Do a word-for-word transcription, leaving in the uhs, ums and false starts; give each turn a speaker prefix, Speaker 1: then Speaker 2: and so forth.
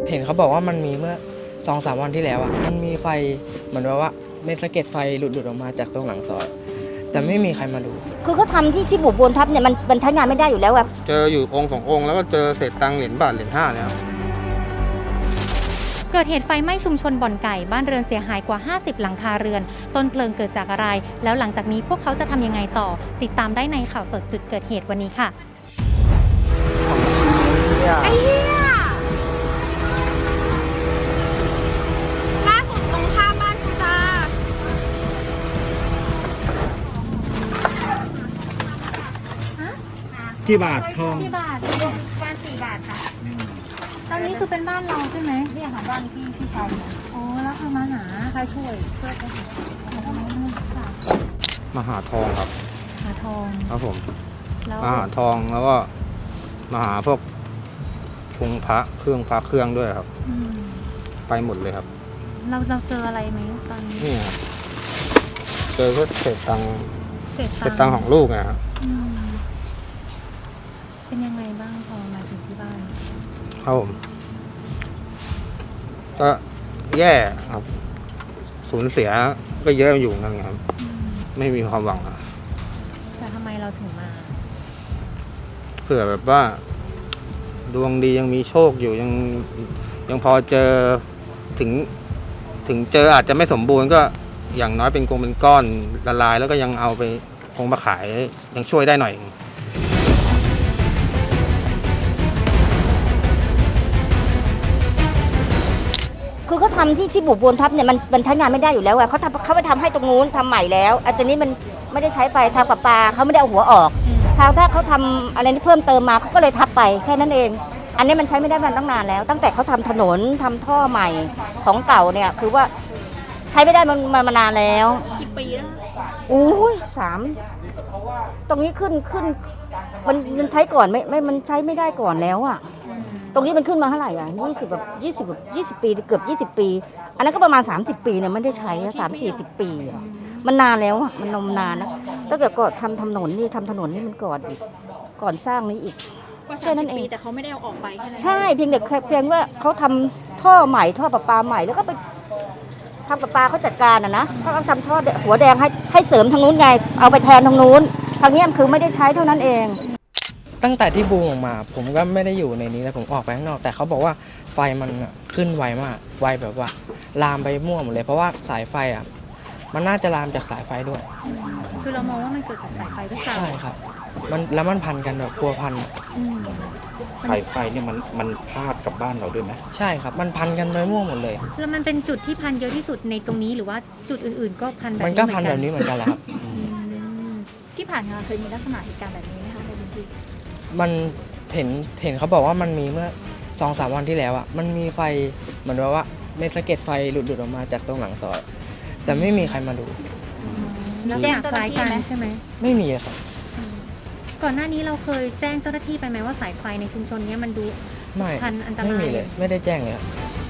Speaker 1: เห็นเขาบอกว่ามันมีเมื่อสองสามวันที่แล้วอ่ะมันมีไฟเหมือนว่าเม็ดสะเก็ดไฟหลุดหลุดออกมาจากตรงหลังซอยแต่ไม่มีใครมาดู
Speaker 2: คือเขาทำที่ที่บุบบนทับเนี่ยมันมันใช้งานไม่ได้อยู่แล้วอะ
Speaker 3: เจออยู่องค์สององค์แล้วก็เจอเศษตังค์เหรียญบาทเหรียญห้าเนี่ยครับ
Speaker 4: เกิดเหตุไฟไหม้ชุมชนบ่อนไก่บ้านเรือนเสียหายกว่าห้าสิบหลังคาเรือนต้นเพลิงเกิดจากอะไรแล้วหลังจากนี้พวกเขาจะทำยังไงต่อติดตามได้ในข่าวสดจุดเกิดเหตุวันนี้ค่ะไอ้เหี้ยล่าสุดตรงข้ามบ้านคุณตา
Speaker 5: กี่บาททอง
Speaker 4: กี่บาทบ้านสี่บาทค่ะตอนนี้คือเป็นบ้านเราใช่ไหมเนี่ยค่ะบ้านพี่พี่ชายอ๋อแล้วคือมาหาใครช่วยช่วยกัน
Speaker 3: มาหาทองครับ
Speaker 4: หาทอง
Speaker 3: ครับผม
Speaker 4: แล้ว
Speaker 3: มาหาทองแล้วก็มาหาพวกพงพระเครื่องพระเครื่องด้วยครับไปหมดเลยครับ
Speaker 4: เราเราเจออะไรไหมตอนนี้
Speaker 3: นี่ครับเจอก็เศษตังค์
Speaker 4: เศษ
Speaker 3: เศษตังค์ของลูกนะครับ
Speaker 4: เป็นยังไงบ้างพอมาถึงที่บ้าน
Speaker 3: ครับผมก็แย่ครับสูญเสียก็เยอะอยู่นั่นครับไม่มีความหวังอะ
Speaker 4: แต่ทำไมเราถึงมา
Speaker 3: เผื่อแบบว่าดวงดียังมีโชคอยู่ยังยังพอเจอถึงถึงเจออาจจะไม่สมบูรณ์ก็อย่างน้อยเป็นกงเป็นก้อนละลายแล้วก็ยังเอาไปคงมาขายยังช่วยได้หน่อย
Speaker 2: คือเขาทำที่ที่บุบบนทับเนี่ยมันมันใช้งานไม่ได้อยู่แล้วอะเขาทำเขาไปทำให้ตรงนู้นทำใหม่แล้วอันนี้มันไม่ได้ใช้ไปทางประปาเขาไม่ได้เอาหัวออกทางถ้าเขาทำอะไรที่เพิ่มเติมมาเขาก็เลยทับไปแค่นั้นเองอันนี้มันใช้ไม่ได้มาตั้งนานแล้วตั้งแต่เขาทำถนนทำท่อใหม่ของเก่าเนี่ยคือว่าใช้ไม่ได้มันมามานานแล้ว
Speaker 4: กี่ปีแล้ว
Speaker 2: อู้ยสามตรงนี้ขึ้นขึ้นมันมันใช้ก่อนไม่ไม่มันใช้ไม่ได้ก่อนแล้วอะตรงนี้มันขึ้นมาเท่าไหร่อ่ะยี่สิบแบบยี่สิบแบบยี่สิบปีเกือบยี่สิบปีอันนั้นก็ประมาณสามสิบปีเนี่ยไม่ได้ใช้สามสี่สิบปีมันนานแล้วอ่ะมันนมนานนะถ้าเกิดก่อนทำถนนนี่ทำถนนนี่มันก่อนอีกก่อนสร้างนี้อีก
Speaker 4: แค่นั้นเองแต่เขาไม่ได้เอาออกไป
Speaker 2: ใช่เพียงแต่เพียงว่าเขาทำท่อใหม่ท่อประปาใหม่แล้วก็ไปทำประปาเขาจัดการอ่ะนะเขาทำท่อหัวแดงให้ให้เสริมทางนู้นไงเอาไปแทนทางนู้นทางนี้คือไม่ได้ใช้เท่านั้นเอง
Speaker 1: ตั้งแต่ที่บูมออกมาผมก็ไม่ได้อยู่ในนี้แล้วผมออกไปข้างนอกแต่เขาบอกว่าไฟมันขึ้นไวมากไวแบบว่าลามไปมั่วหมดเลยเพราะว่าสายไฟอ่ะมันน่าจะลามจากสายไฟด้วย
Speaker 4: คือเรามองว่ามันเกิดจากสายไฟด้วยกัน
Speaker 1: ใช่ครับมันแล้วมันพันกันแบบพัวพัน
Speaker 5: สายไฟเนี่ยมันมันพาดกับบ้านเราด้วยไหม
Speaker 1: ใช่ครับมันพันกันไปมั่วหมดเลย
Speaker 4: แล้วมันเป็นจุดที่พันเยอะที่สุดในตรงนี้หรือว่าจุดอื่นๆก็พันแบบนี้
Speaker 1: มันก็พันแบบนี้เหมือนกันแหละครับ
Speaker 4: ที่ผ่านมาเคยมีลักษณะเหตุการณ์แบบนี้ไหมคะในพื้นที่
Speaker 1: มันเห็นเห็นเขาบอกว่ามันมีเมื่อสองสามวันที่แล้วอ่ะมันมีไฟเหมือนว่าเม็ดสะเก็ดไฟหลุดหลุดออกมาจากตรงหลังซอยแต่ไม่มีใครมาดู
Speaker 4: แล้วแจ้งคล้ายกันใช่ไหม
Speaker 1: ไม่มีครับ
Speaker 4: ก่อนหน้านี้เราเคยแจ้งเจ้าหน้าที่ไปไหมว่าสายไฟในชุมชนนี้มันดู
Speaker 1: ไม่
Speaker 4: พันอันตราย
Speaker 1: ไม่มีเลยไม่ได้แจ้งเลยครับ